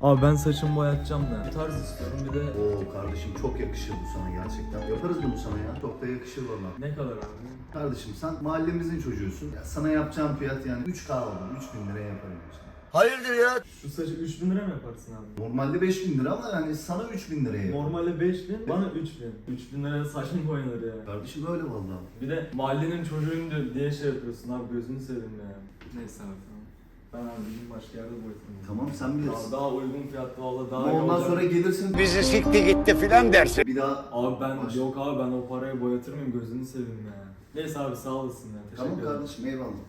Abi ben saçımı boyatacağım da. Bir tarz istiyorum bir de. Oo kardeşim çok yakışır bu sana gerçekten. Yaparız bunu sana ya. Çok da yakışır valla. Ne kadar abi? Kardeşim sen mahallemizin çocuğusun. Ya sana yapacağım fiyat yani 3K oldu. 3000 liraya yaparım sana. Hayırdır ya? Şu saçı 3000 lira mı yaparsın abi? Normalde 5000 lira ama yani sana 3000 liraya yaparım. Normalde 5000, bana 3000. 3000 liraya saç mı boyanır ya? Kardeşim öyle valla. Bir de mahallenin çocuğuyum diye şey yapıyorsun abi, gözünü seveyim ya. Neyse abi tamam. Ben abi bir gün başka yerde boyatırım. Tamam sen bilirsin. Daha uygun fiyatlı valla daha Ama iyi ondan olacak. sonra gelirsin. Bizi sikti gitti filan dersin. Bir daha Abi ben Baş- yok abi ben o parayı boyatır mıyım, gözünü seveyim ya. Neyse abi sağ olasın ya, teşekkür Tamam ederim. kardeşim eyvallah.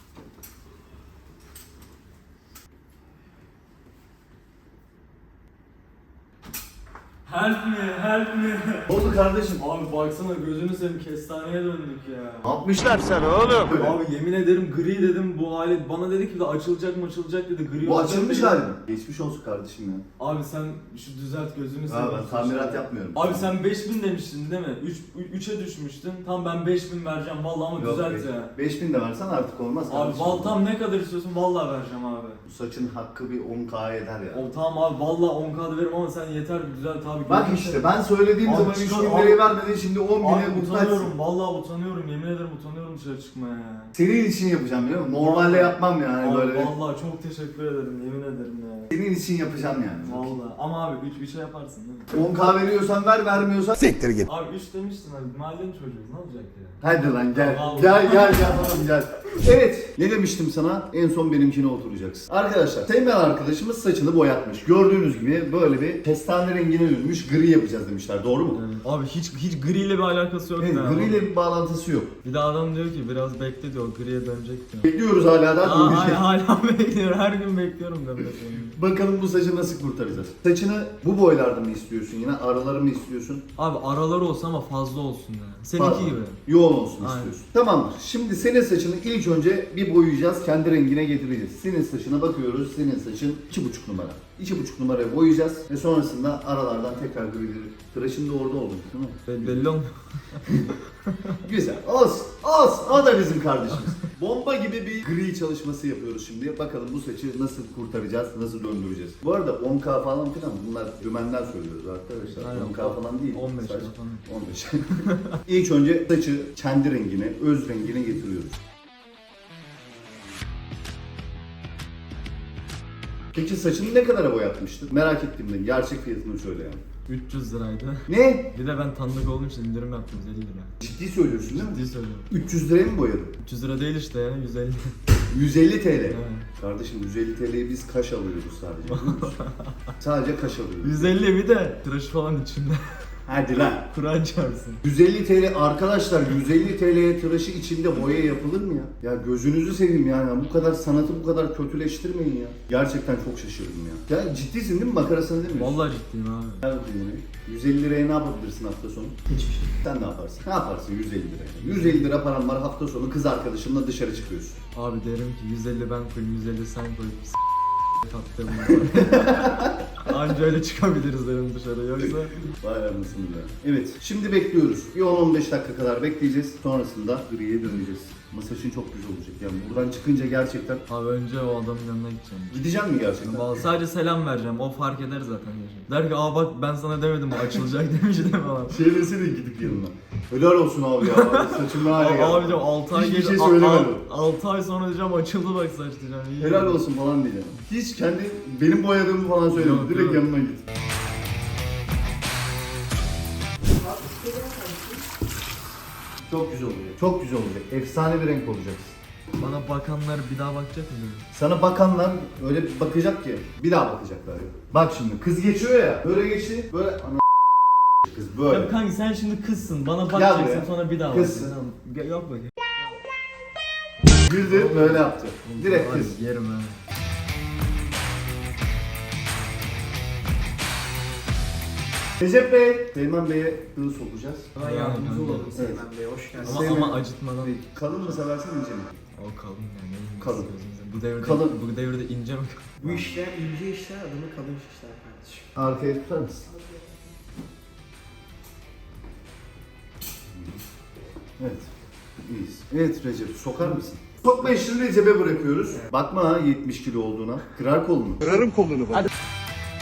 Help me, help me. Ne oldu kardeşim? Abi baksana gözünü seveyim, kestaneye döndük ya. Ne yapmışlar sana oğlum? Abi yemin ederim gri dedim bu alet. Bana dedi ki de açılacak mı açılacak dedi. Gri Bu olacak açılmış dedi. hali mi? Geçmiş olsun kardeşim ya. Abi sen şu düzelt gözünü Ha seveyim. ben tamirat yapmıyorum. Abi sen 5000 demiştin değil mi? 3'e düşmüştün. Tam ben 5000 vereceğim vallahi ama düzelt ya. 5000 de versen artık olmaz Abi kardeşim. tam ne kadar istiyorsun vallahi vereceğim abi. Bu saçın hakkı bir 10K eder ya. O tamam abi vallahi 10K'da veririm ama sen yeter bir düzelt abi. Bak Gözünü işte seveyim. ben söylediğim Abi zaman çıkar- 3000 abi- liraya vermedin şimdi 10 bine Abi muhtaçsın. utanıyorum vallahi utanıyorum, yemin ederim utanıyorum dışarı çıkmaya ya. Senin için yapacağım biliyor musun? Normalde yapmam yani Abi böyle. vallahi çok teşekkür ederim, yemin ederim ya. Senin için yapacağım yani. Vallahi ama abi 3'e yaparsın değil mi? 10K veriyorsan ver, vermiyorsan Siktir git. Abi 3 demiştin abi, mahallenin çocuğu ne olacak ya? hadi lan gel. Vallahi. Gel oğlum gel. Evet, ne demiştim sana? En son benimkine oturacaksın. Arkadaşlar, Teğmen arkadaşımız saçını boyatmış. Gördüğünüz gibi böyle bir kestane rengine dönmüş, gri yapacağız demişler. Doğru mu? Evet. Abi hiç griyle bir alakası yok Evet, ya. gri ile bir bağlantısı yok. Bir de adam diyor ki biraz bekle diyor, griye dönecek diyor. Bekliyoruz hala da. Hala bekliyorum, her gün bekliyorum ben de. Bakalım bu saçı nasıl kurtaracağız? Saçını bu boylarda mı istiyorsun yine? Araları mı istiyorsun? Abi araları olsun ama fazla olsun yani. Fazla. Seninki gibi. Yoğun olsun Aynen. istiyorsun. Tamamdır. Şimdi senin saçını ilk önce bir boyayacağız. Kendi rengine getireceğiz. Senin saçına bakıyoruz. Senin saçın 2,5 numara. 2,5 numaraya boyayacağız. Ve sonrasında aralardan tekrar grileri. Tıraşın da orada oldu değil mi? Belli olmuyor. Güzel. Olsun. Olsun. O da bizim kardeşimiz. Bomba gibi bir gri çalışması yapıyoruz şimdi. Bakalım bu saçı nasıl kurtaracağız, nasıl döndüreceğiz. Bu arada 10K falan filan bunlar dümenden söylüyoruz arkadaşlar. Aynen. 10K falan değil. 15 Saç- falan. 15. İlk önce saçı kendi rengine, öz rengine getiriyoruz. Peki saçını ne kadara boyatmıştın? Merak ettim ben. Gerçek fiyatını söyle yani. 300 liraydı. Ne? Bir de ben tanıdık olduğum için indirim yaptım 150 lira. Ciddi söylüyorsun değil mi? Ciddi söylüyorum. 300 liraya mı boyadın? 300 lira değil işte ya, 150. 150 TL. Evet. Kardeşim 150 TL'yi biz kaş alıyoruz sadece. biliyor musun? Sadece kaş alıyoruz. 150 bir de tıraşı falan içinde. Hadi lan. Kur'an çarpsın. 150 TL arkadaşlar, 150 TL'ye tıraşı içinde boya yapılır mı ya? Ya gözünüzü seveyim yani, bu kadar sanatı bu kadar kötüleştirmeyin ya. Gerçekten çok şaşırdım ya. Ya ciddisin değil mi? Makarasını değil mi? Vallahi ciddiyim abi. Gel bakayım oraya. 150 liraya ne yapabilirsin hafta sonu? Hiçbir şey. Sen ne yaparsın? Ne yaparsın 150 liraya? 150 lira param var, hafta sonu kız arkadaşımla dışarı çıkıyorsun. Abi derim ki 150 ben koyayım, 150 sen koy. Tattım. Anca öyle çıkabiliriz derim dışarı, yoksa. Vay anasını be. Evet, şimdi bekliyoruz. Bir 10-15 dakika kadar bekleyeceğiz. Sonrasında griye döneceğiz. Masajın çok güzel olacak. Yani buradan çıkınca gerçekten... Abi önce o adamın yanına gideceğim. Gideceğim mi gerçekten? Vallahi sadece selam vereceğim, o fark eder zaten. Der ki aa bak ben sana demedim o açılacak demiştim falan. Şey desene gidip yanına. Helal olsun abi ya. Saçım ne hale geldi. Abi diyeceğim 6 ay Hiçbir geç, şey söylemedim. 6 ay sonra diyeceğim açıldı bak saç diyeceğim. İyi. Helal olsun falan diyeceğim. Hiç kendi benim boyadığımı falan söyleme. Yok, Direkt yok. yanına git. Çok güzel olacak. Çok güzel olacak. Efsane bir renk olacaksın. Bana bakanlar bir daha bakacak mı? Sana bakanlar öyle bir bakacak ki bir daha bakacaklar ya. Bak şimdi kız geçiyor ya. Böyle geçti. Böyle ana kız böyle. Ya kanka sen şimdi kızsın, bana Gel bakacaksın buraya. sonra bir daha Kızsın. bakacaksın. Yok bakayım. Güldü böyle yaptı. Direkt Abi, kız. yerim ha. Recep Bey, Teğmen Bey'e hız sokacağız. Bana Yani yardımcı kanka. olalım Seymen Bey, hoş geldiniz. Ama acıtmadan. Kalın mı seversin ince mi? O kalın yani. Kalın. Bu devirde, Kalın. Bu devirde ince mi? Bu işler ince işler, adını kalın işler kardeşim. Arkaya tutar mısın? Evet. İyiyiz. Evet Recep, sokar mısın? Sokma işini Recep'e bırakıyoruz. Bakma ha 70 kilo olduğuna. Kırar kolunu. Kırarım kolunu bak.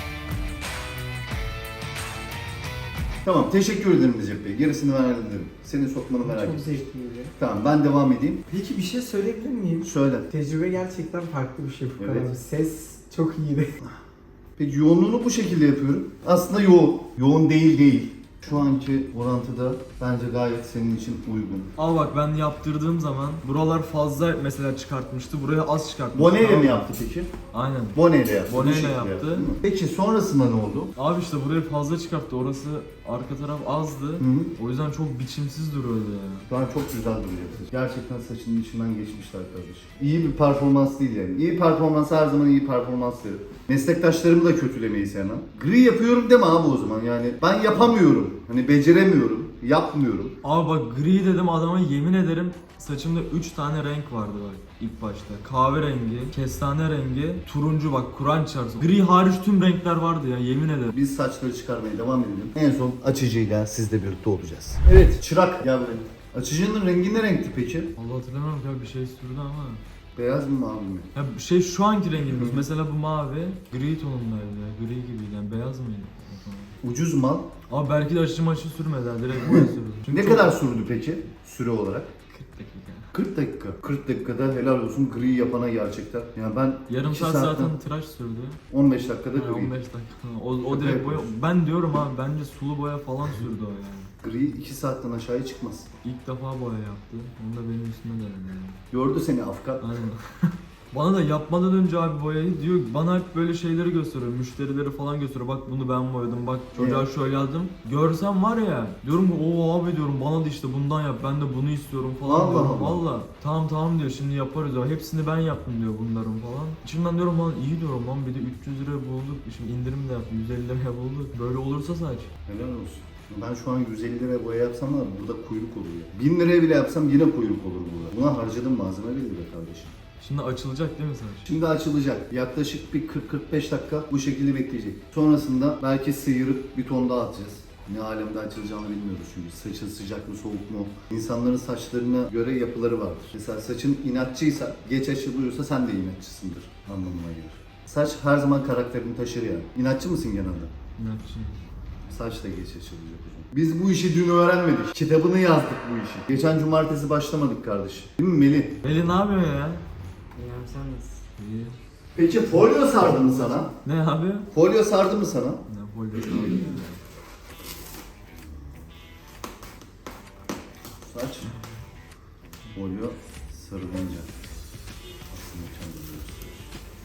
Tamam, teşekkür ederim Recep Bey. Gerisini ben hallederim. Seni sokmanı merak Çok ettim. zevkliydi. Tamam, ben devam edeyim. Peki bir şey söyleyebilir miyim? Söyle. Tecrübe gerçekten farklı bir şey bu Evet. kadar. Ses çok iyiydi. Peki yoğunluğunu bu şekilde yapıyorum. Aslında yoğun. Yoğun değil. Şu anki orantıda bence gayet senin için uygun. Ama bak ben yaptırdığım zaman buralar fazla mesela çıkartmıştı. Buraya az çıkartmıştı. Boneyle Tamam mi mı? yaptı peki? Aynen. Boneyle yaptı. Boneyle bu şekilde yaptı. değil mi? Peki sonrasında ne oldu? Abi işte burayı fazla çıkarttı. Orası arka taraf azdı. Hı. O yüzden çok biçimsiz duruyordu ya. Şu an çok güzel duruyor saç. Gerçekten saçının içinden geçmişler kardeşim. İyi bir performans değil yani. İyi performans her zaman iyi performans derim. Meslektaşlarımı da kötülemeyi sevmem. Gri yapıyorum deme abi o zaman yani. Ben yapamıyorum. Hani beceremiyorum. Yapmıyorum. Abi bak gri dedim adama, yemin ederim saçımda 3 tane renk vardı bak ilk başta. Kahverengi, kestane rengi, turuncu, bak Kur'an çarpsın. Gri hariç tüm renkler vardı ya, yemin ederim. Biz saçları çıkarmaya devam edelim. En son açıcıyla sizle birlikte olacağız. Evet, çırak gel buraya. Açıcının rengi ne renkti peki? Allah hatırlamıyorum ki abi, bir şey sürdü ama. Beyaz mı mavi mi? Ya şey şu anki rengimiz mesela bu mavi, gri tonundaydı ya, gri gibiydi yani, beyaz mıydı? Ucuz mal. Abi belki de aşı maşı sürmedi ha, direkt boya sürdü. Çünkü Ne çok- kadar sürdü peki süre olarak? 40 dakika. 40 dakika. 40 dakikada helal olsun gri yapana gerçekten. Yani ben Yarım 2 saat saatten zaten tıraş sürdü. 15 dakikada Yani gri. 15 dakika. O direkt boya. Ben diyorum abi, bence sulu boya falan sürdü o yani. Gri 2 saatten aşağıya çıkmaz. İlk defa boya yaptı. Onu da benim üstüme denedi yani. Gördü seni Afgan. Aynen. Bana da yapmadan önce abi boyayı diyor, bana hep böyle şeyleri gösteriyor, müşterileri falan gösteriyor. Bak bunu ben boyadım, bak çocuğa şöyle yazdım. Görsem var ya, diyorum ki o abi diyorum, bana da işte bundan yap, ben de bunu istiyorum falan Allah diyorum. Allah. Valla tamam diyor, şimdi yaparız ya, hepsini ben yaptım diyor bunların falan. İçimden diyorum lan iyi diyorum lan, bir de 300 lira bulduk, şimdi indirim de yaptı, 150 liraya bulduk. Böyle olursa saç. Helal olsun. Ben şu an 150 liraya boya yapsam da burada kuyruk olur ya. 1000 liraya bile yapsam yine kuyruk olur burada. Buna harcadığım malzeme belli be kardeşim. Şimdi açılacak değil mi saç? Şimdi açılacak. Yaklaşık bir 40-45 dakika bu şekilde bekleyecek. Sonrasında belki sıyırıp bir ton daha atacağız. Ne alemde açılacağını bilmiyoruz çünkü. Saçın sıcak mı soğuk mu? İnsanların saçlarına göre yapıları vardır. Mesela saçın inatçıysa, geç açılıyorsa sen de inatçısındır anlamına gelir. Saç her zaman karakterini taşır yani. İnatçı mısın genelde? İnatçı. Saç da geç açılacak o zaman. Biz bu işi dün öğrenmedik. Kitabını yazdık bu işi. Geçen cumartesi başlamadık kardeş. Değil mi Melih? Melih ne yapıyor ya? Yani sen nasıl? İyi. Peki folyo sardı mı sana? Ne abi? Folyo sardı mı sana? Ne folyosu abi? Saç. Folyo sarılınca. Aslında kendini gösteriyor.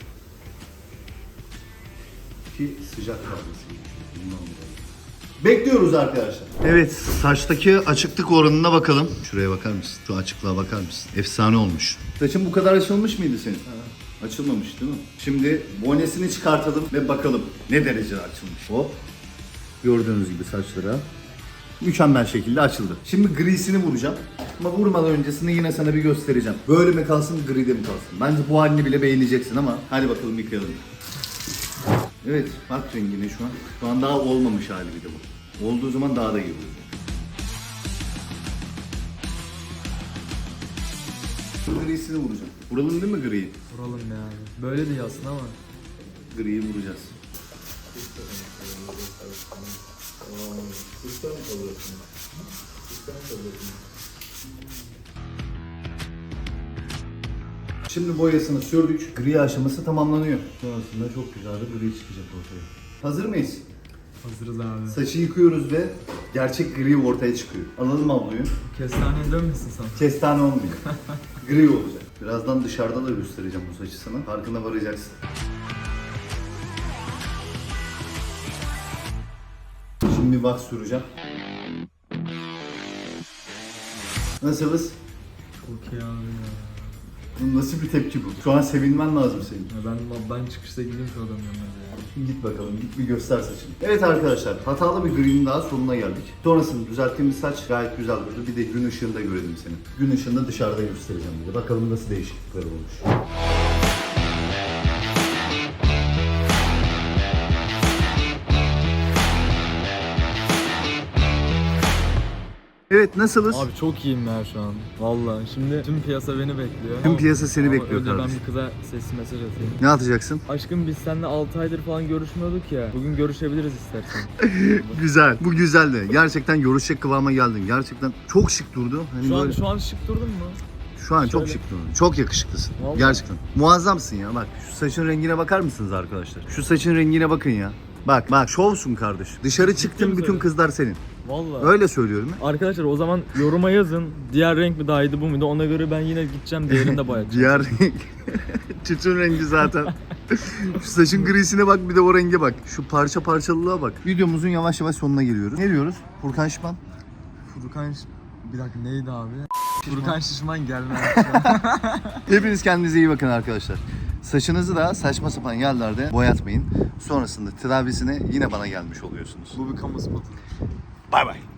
Ki sıcak kalması. Bundan dolayı. Bekliyoruz arkadaşlar. Evet, saçtaki açıklık oranına bakalım. Şuraya bakar mısın? Şu açıklığa bakar mısın? Efsane olmuş. Saçın bu kadar açılmış mıydı senin? Açılmamış değil mi? Şimdi bonesini çıkartalım ve bakalım ne derece açılmış. Hop. Gördüğünüz gibi saçlara mükemmel şekilde açıldı. Şimdi grisini vuracağım. Ama vurmadan öncesini yine sana bir göstereceğim. Böyle mi kalsın, gride mi kalsın? Bence bu halini bile beğeneceksin ama hadi bakalım yıkayalım. Evet, bak rengine şu an. Şu an daha olmamış hali bir de bu. Olduğu zaman daha da iyi olacak. Grisini vuracağım. Vuralım değil mi griyi? Vuralım yani. Böyle değil aslında ama. Griyi vuracağız. Şimdi boyasını sürdük. Gri aşaması tamamlanıyor. Sonrasında çok güzel bir gri çıkacak ortaya. Hazır mıyız? Hazırız abi. Saçı yıkıyoruz ve gerçek gri ortaya çıkıyor. Alalım abloyu. Kestaneye dönmesin sana. Kestane olmuyor. Gri olacak. Birazdan dışarıda da göstereceğim bu saçı sana. Farkına varacaksın. Şimdi bir wax süreceğim. Nasılız? Çok iyi abi ya. Bu nasıl bir tepki bu? Şu an sevinmen lazım senin. Ya ben çıkışta gideyim şu adamın yanına ya. Git bakalım, git bir göster saçını. Evet arkadaşlar, hatalı bir green'in daha sonuna geldik. Sonrasında düzelttiğimiz saç gayet güzel durdu. Bir de gün ışığında görelim seni. Gün ışığında dışarıda göstereceğim bir de. Bakalım nasıl değişiklikler olmuş. Evet, nasılız? Abi çok iyiyim ya şu an. Vallahi şimdi tüm piyasa beni bekliyor. Tüm piyasa seni Ama bekliyor önce ben kardeşim. bir kıza sesli mesaj atayım. Ne atacaksın? Aşkım biz seninle 6 aydır falan görüşmüyorduk ya. Bugün görüşebiliriz istersen. Güzel. Bu güzeldi. Gerçekten görüşecek kıvama geldin. Gerçekten çok şık durdu. Hani böyle... Şu an şık durdun mu? Şu an çok Şöyle. şık durdun. Çok yakışıklısın. Vallahi. Gerçekten. Muazzamsın ya. Bak şu saçın rengine bakar mısınız arkadaşlar? Şu saçın rengine bakın ya. Bak şovsun kardeş. Dışarı çıktın, bütün söylüyorsun? kızlar senin. Vallahi. Öyle söylüyorum ya. Arkadaşlar o zaman yoruma yazın. Diğer renk mi daha iyiydi bu muydu? Ona göre ben yine gideceğim diğerini de boyatacağım. Diğer renk. Tütün rengi zaten. Şu saçın grisine bak, bir de o renge bak. Şu parça parçalılığa bak. Videomuzun yavaş yavaş sonuna geliyoruz. Ne diyoruz? Furkan Şişman. Bir dakika neydi abi? Furkan Şişman gelmez. Hepiniz kendinize iyi bakın arkadaşlar. Saçınızı da saçma sapan yerlerde boyatmayın. Sonrasında tedavisine yine bana gelmiş oluyorsunuz. Bu bir kamu spotu. Bay bay.